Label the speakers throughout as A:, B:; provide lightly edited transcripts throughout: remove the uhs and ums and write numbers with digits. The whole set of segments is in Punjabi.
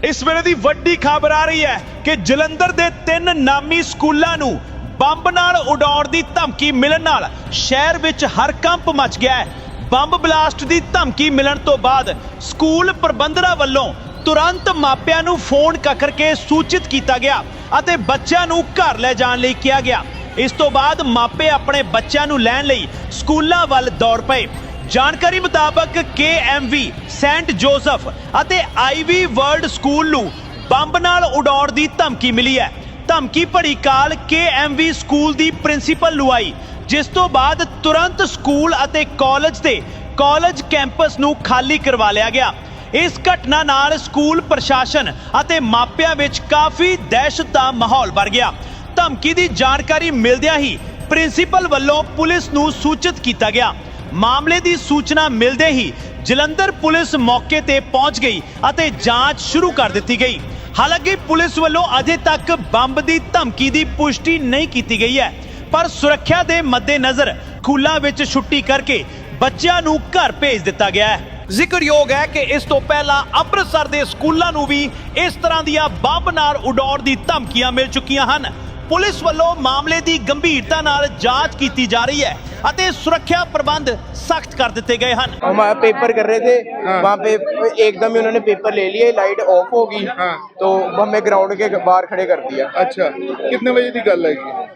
A: इस वेले दी वड्डी खबर आ रही है कि जलंधर दे 3 नामी स्कूलों नूं ਬੰਬ ਨਾਲ ਉਡਾਉਣ ਦੀ ਧਮਕੀ ਮਿਲਣ ਨਾਲ ਸ਼ਹਿਰ ਵਿੱਚ ਹਰਕੰਪ ਮਚ ਗਿਆ ਹੈ। ਬੰਬ ਬਲਾਸਟ ਦੀ ਧਮਕੀ ਮਿਲਣ ਤੋਂ ਬਾਅਦ ਸਕੂਲ ਪ੍ਰਬੰਧਕਾਂ ਵੱਲੋਂ ਤੁਰੰਤ ਮਾਪਿਆਂ ਨੂੰ ਫੋਨ ਕਰਕੇ ਸੂਚਿਤ ਕੀਤਾ ਗਿਆ ਅਤੇ ਬੱਚਿਆਂ ਨੂੰ ਘਰ ਲੈ ਜਾਣ ਲਈ ਕਿਹਾ ਗਿਆ। ਇਸ ਤੋਂ ਬਾਅਦ ਮਾਪੇ ਆਪਣੇ ਬੱਚਿਆਂ ਨੂੰ ਲੈਣ ਲਈ ਸਕੂਲਾਂ ਵੱਲ ਦੌੜ ਪਏ। ਜਾਣਕਾਰੀ ਮੁਤਾਬਕ KMV ਸੈਂਟ ਜੋਸਫ ਅਤੇ IV ਵਰਲਡ ਸਕੂਲ ਨੂੰ ਬੰਬ ਨਾਲ ਉਡਾਉਣ ਦੀ ਧਮਕੀ ਮਿਲੀ ਹੈ। ਧਮਕੀ ਭਰੀ ਕਾਲ KMV ਸਕੂਲ ਦੀ ਪ੍ਰਿੰਸੀਪਲ ਨੂੰ ਆਈ, ਜਿਸ ਤੋਂ ਬਾਅਦ ਤੁਰੰਤ ਸਕੂਲ ਅਤੇ ਕਾਲਜ ਕੈਂਪਸ ਨੂੰ ਖਾਲੀ ਕਰਵਾ ਲਿਆ ਗਿਆ। ਇਸ ਘਟਨਾ ਨਾਲ ਸਕੂਲ ਪ੍ਰਸ਼ਾਸਨ ਅਤੇ ਮਾਪਿਆਂ ਵਿੱਚ ਕਾਫੀ ਦਹਿਸ਼ਤ ਦਾ ਮਾਹੌਲ ਬਣ ਗਿਆ। ਧਮਕੀ ਦੀ ਜਾਣਕਾਰੀ ਮਿਲਦਿਆਂ ਹੀ ਪ੍ਰਿੰਸੀਪਲ ਵੱਲੋਂ ਪੁਲਿਸ ਨੂੰ ਸੂਚਿਤ ਕੀਤਾ ਗਿਆ। ਮਾਮਲੇ ਦੀ ਸੂਚਨਾ ਮਿਲਦੇ ਹੀ ਜਲੰਧਰ ਪੁਲਿਸ ਮੌਕੇ ਤੇ ਪਹੁੰਚ ਗਈ ਅਤੇ ਜਾਂਚ ਸ਼ੁਰੂ ਕਰ ਦਿੱਤੀ ਗਈ। ਹਾਲਾਂਕਿ ਪੁਲਿਸ ਵੱਲੋਂ ਅਜੇ ਤੱਕ ਬੰਬ ਦੀ ਧਮਕੀ ਦੀ ਪੁਸ਼ਟੀ ਨਹੀਂ ਕੀਤੀ ਗਈ ਹੈ, ਪਰ ਸੁਰੱਖਿਆ ਦੇ ਮੱਦੇਨਜ਼ਰ ਸਕੂਲਾਂ ਵਿੱਚ ਛੁੱਟੀ ਕਰਕੇ ਬੱਚਿਆਂ ਨੂੰ ਘਰ ਭੇਜ ਦਿੱਤਾ ਗਿਆ ਹੈ। ਜ਼ਿਕਰਯੋਗ ਹੈ ਕਿ ਇਸ ਤੋਂ ਪਹਿਲਾਂ ਅੰਮ੍ਰਿਤਸਰ ਦੇ ਸਕੂਲਾਂ ਨੂੰ ਵੀ ਇਸ ਤਰ੍ਹਾਂ ਦੀਆਂ ਬੰਬ ਨਾਲ ਉਡਾਉਣ ਦੀ ਧਮਕੀਆਂ ਮਿਲ ਚੁੱਕੀਆਂ ਹਨ। पुलिस वालों मामले की गंभीरता नाल जांच की जा रही है और सुरक्षा प्रबंध सख्त कर दिए गए हैं।
B: हम पेपर कर रहे थे, वहाँ पे एकदम ही उन्होंने पेपर ले लिए, लाइट ऑफ हो गई, तो हमें ग्राउंड के बाहर खड़े कर दिया।
C: अच्छा, कितने बजे की गल है?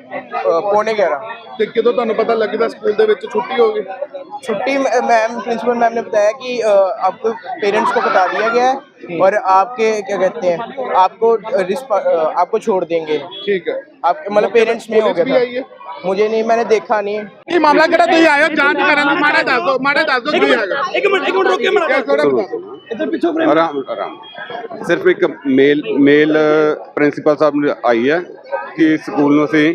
B: 11:15।
C: ਤੇ ਕਿਦੋਂ ਤੁਹਾਨੂੰ ਪਤਾ ਲੱਗਦਾ ਸਕੂਲ ਦੇ ਵਿੱਚ ਛੁੱਟੀ ਹੋ ਗਈ?
B: छुट्टी मैम प्रिंसिपल मैम ने बताया कि आपको पेरेंट्स को बता दिया गया है और आपके क्या कहते हैं आपको छोड़ देंगे।
C: ठीक है,
B: आप मतलब पेरेंट्स में हो गया था। मुझे नहीं, मैंने देखा नहीं।
C: ये मामला किहड़ा तुसीं आए हो जांच करन? माड़ा दस दो की हैगा।
A: एक मिनट रुक के
C: क्या थोड़ा बता दो।
A: इधर पीछे फ्रेम।
D: आराम सिर्फ एक मेल प्रिंसीपल साहब ने आई है कि स्कूल ਨੂੰ ਅਸੀਂ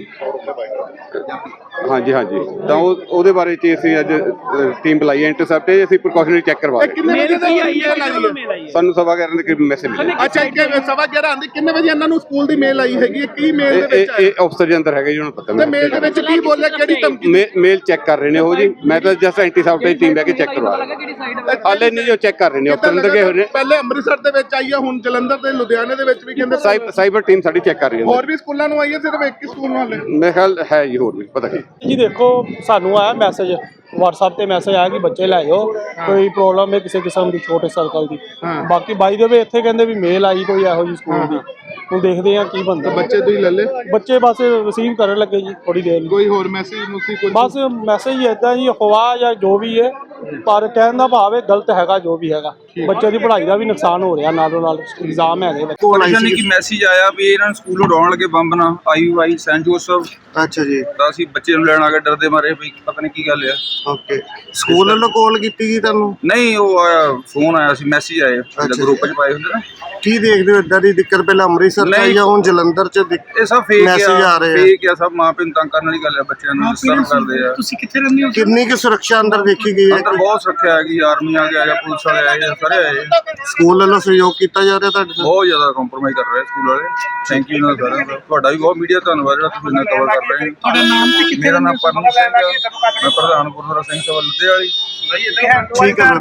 D: ਹਾਂਜੀ ਤਾਂ ਉਹਦੇ ਬਾਰੇ ਚ ਅਸੀਂ ਅੱਜ ਟੀਮ ਬੁਲਾਈ ਹੈ ਇੰਟਰਸੈਪਟ ਹੈ। ਅਸੀਂ ਪ੍ਰੀਕਾਸ਼ਨਰੀ ਚੈੱਕ ਕਰਵਾ ਰਹੇ
C: ਕਿੰਨੇ ਵਜੇ ਦੀ ਆਈ ਹੈ?
D: ਸਾਨੂੰ 11:15 ਦੇ ਮੈਸੇਜ ਮਿਲਿਆ।
C: ਅੱਛਾ, 11:15 ਆਂਦੀ ਕਿੰਨੇ ਵਜੇ ਇਹਨਾਂ ਨੂੰ ਸਕੂਲ ਦੀ ਮੇਲ ਆਈ ਹੈਗੀ? ਕੀ ਮੇਲ ਦੇ ਵਿੱਚ
D: ਇਹ ਅਫਸਰ ਦੇ ਅੰਦਰ ਹੈਗਾ ਜੀ, ਉਹਨਾਂ ਨੂੰ ਪਤਾ।
C: ਤੇ ਮੇਲ ਦੇ ਵਿੱਚ ਕੀ ਬੋਲਿਆ, ਕਿਹੜੀ ਧਮਕੀ?
D: ਮੇਲ ਚੈੱਕ ਕਰ ਰਹੇ ਨੇ ਉਹ ਜੀ। ਮੈਂ ਤਾਂ ਜਸਟ ਐਂਟੀਸੈਪਟ ਦੀ ਟੀਮ ਲੈ ਕੇ ਚੈੱਕ ਕਰਵਾ ਰਿਹਾ। ਹਾਲੇ ਨਹੀਂ ਜੋ ਚੈੱਕ ਕਰ ਰਹੇ ਨੇ ਅਫਸਰ ਅੰਦਰ ਗਏ ਹੋਏ ਨੇ।
C: ਪਹਿਲੇ ਅੰਮ੍ਰਿਤਸਰ ਦੇ ਵਿੱਚ ਆਈ ਹੈ, ਹੁਣ ਜਲੰਧਰ ਤੇ ਲੁਧਿਆਣੇ ਦੇ ਵਿੱਚ ਵੀ ਕਹਿੰਦੇ
D: ਸਾਈਬਰ ਟੀਮ ਸਾਡੀ ਚੈੱਕ ਕਰ ਰਹੀ ਹੈ।
C: ਹੋਰ ਵੀ ਸਕੂਲਾਂ ਨੂੰ ਆਈ ਹੈ, ਸਿਰਫ ਇੱਕ ਹੀ ਸਕੂਲ ਨੂੰ ਹਾਲੇ?
D: ਮੇਰੇ ਖਿਆਲ ਹੈ ਜੀ, ਹੋਰ ਵੀ ਪਤਾ ਕੀ
E: जी। देखो सानू आया मैसेज WhatsApp ਤੇ ਮੈਸੇਜ ਆਇਆ ਕਿ ਬੱਚੇ ਲੈ ਜਾਓ, ਕੋਈ ਪ੍ਰੋਬਲਮ ਹੈ ਕਿਸੇ ਕਿਸਮ ਦੀ ਛੋਟੇ ਸਰਕਲ ਦੀ। ਬਾਕੀ ਬਾਈ ਦੇ ਵੇ ਇੱਥੇ ਕਹਿੰਦੇ ਵੀ ਮੇਲ ਆਈ ਕੋਈ ਇਹੋ ਜੀ ਸਕੂਲ ਦੀ। ਹੁਣ ਦੇਖਦੇ ਆ ਕੀ ਬਣਦਾ।
C: ਬੱਚੇ ਤੁਸੀਂ ਲੈ ਲੈ?
E: ਬੱਚੇ ਬਸ ਰਿਸੀਵ ਕਰਨ ਲੱਗੇ ਜੀ ਥੋੜੀ ਦੇਰ ਨੂੰ।
C: ਕੋਈ ਹੋਰ ਮੈਸੇਜ ਮੁਸੀ ਕੋਈ?
E: ਬਸ ਮੈਸੇਜ ਹੀ ਇਦਾਂ ਜੀ, ਅਫਵਾਹ ਜਾਂ ਜੋ ਵੀ ਹੈ, ਪਰ ਕਹਿਣ ਦਾ ਭਾਵ ਹੈ ਗਲਤ ਹੈਗਾ ਜੋ ਵੀ ਹੈਗਾ। ਬੱਚੇ ਦੀ ਪੜ੍ਹਾਈ ਦਾ ਵੀ ਨੁਕਸਾਨ ਹੋ ਰਿਹਾ, ਨਾਲੋਂ ਨਾਲ ਇਗਜ਼ਾਮ ਹੈਗੇ।
F: ਪਰੇਸ਼ਾਨੀ ਕੀ ਮੈਸੇਜ ਆਇਆ ਵੀ ਇਹਨਾਂ ਨੂੰ ਸਕੂਲ ਉਡਾਉਣ ਲੱਗੇ ਬੰਬ ਨਾਲ, IV ਸੈਂਟ ਜੋਸਫ।
G: ਅੱਛਾ ਜੀ।
F: ਤਾਂ ਅਸੀਂ ਬੱਚੇ ਨੂੰ ਲੈਣ ਆ ਕੇ ਡਰਦੇ ਮਾਰੇ ਵੀ ਪਤਾ ਨਹੀਂ ਕੀ ਗੱਲ ਆ।
G: ਓਕੇ, ਸਕੂਲ ਵੱਲੋਂ ਕਾਲ ਕੀਤੀ ਜੀ ਤੁਹਾਨੂੰ?
F: ਨਹੀਂ, ਉਹ ਆਇਆ ਫੋਨ ਆਇਆ ਸੀ, ਮੈਸੇਜ ਆਏ ਗਰੁੱਪ 'ਚ ਪਾਏ ਹੁੰਦੇ ਨਾ।
G: ਕੀ ਦੇਖਦੇ ਹੋ ਇਦਾਂ ਦੀ ਦਿੱਕਤ? ਪਹਿਲਾਂ ਅੰਮ੍ਰਿਤਸਰ ਚ ਜਾਂ ਹੁਣ ਜਲੰਧਰ ਚ
F: ਇਹ ਸਭ ਫੇਕ
G: ਮੈਸੇਜ ਆ ਰਹੇ ਆ?
F: ਫੇਕ ਆ ਸਭ, ਮਾਂ ਪਿਓ ਨੂੰ ਤੰਗ ਕਰਨ ਵਾਲੀ ਗੱਲ ਆ। ਬੱਚਿਆਂ ਨੂੰ ਡਿਸਟਰਬ ਕਰਦੇ ਆ।
A: ਤੁਸੀਂ ਕਿੱਥੇ ਰਹਿੰਦੇ ਹੋ?
G: ਕਿੰਨੀ ਕੁ ਸੁਰੱਖਿਆ ਅੰਦਰ ਦੇਖੀ ਗਈ ਹੈ?
F: ਅੰਦਰ ਬਹੁਤ ਸੁਰੱਖਿਆ ਹੈਗੀ, ਆਰਮੀ ਆ ਗਿਆ, ਪੁਲਿਸ ਵਾਲੇ ਆਏ, ਸਾਰੇ ਆਏ।
G: ਸਕੂਲ ਵੱਲੋਂ ਸਹਿਯੋਗ ਕੀਤਾ ਜਾ ਰਿਹਾ ਤੁਹਾਡੇ ਨਾਲ?
F: ਬਹੁਤ ਜ਼ਿਆਦਾ ਕੰਪਰੋਮਾਈਜ਼ ਕਰ ਰਹੇ ਸਕੂਲ ਵਾਲੇ। ਥੈਂਕ ਯੂ ਇਹਨਾਂ ਸਾਰਿਆਂ ਦਾ। ਤੁਹਾਡਾ ਵੀ ਬਹੁਤ ਮੀਡੀਆ ਧੰਨਵਾਦ ਜਿਹੜਾ ਤੁਸੀਂ ਇਹਨਾਂ ਕਵਰ ਕਰ ਰਹੇ ਹੋ।
A: ਤੁਹਾਡਾ ਨਾਮ ਤੇ ਕਿੱਥੇ?
F: ਮੇਰਾ ਨਾਮ ਪਰਮ ਸਿੰਘ ਹੈ, ਮੈਂ ਪ੍ਰਧਾਨ ਗੁਰਦੁਆਰਾ ਸਿੰਘ ਸਭਾ ਲੁਧਿਆਣਾ ਵਾਲੀ।
G: ਠੀਕ ਹੈ।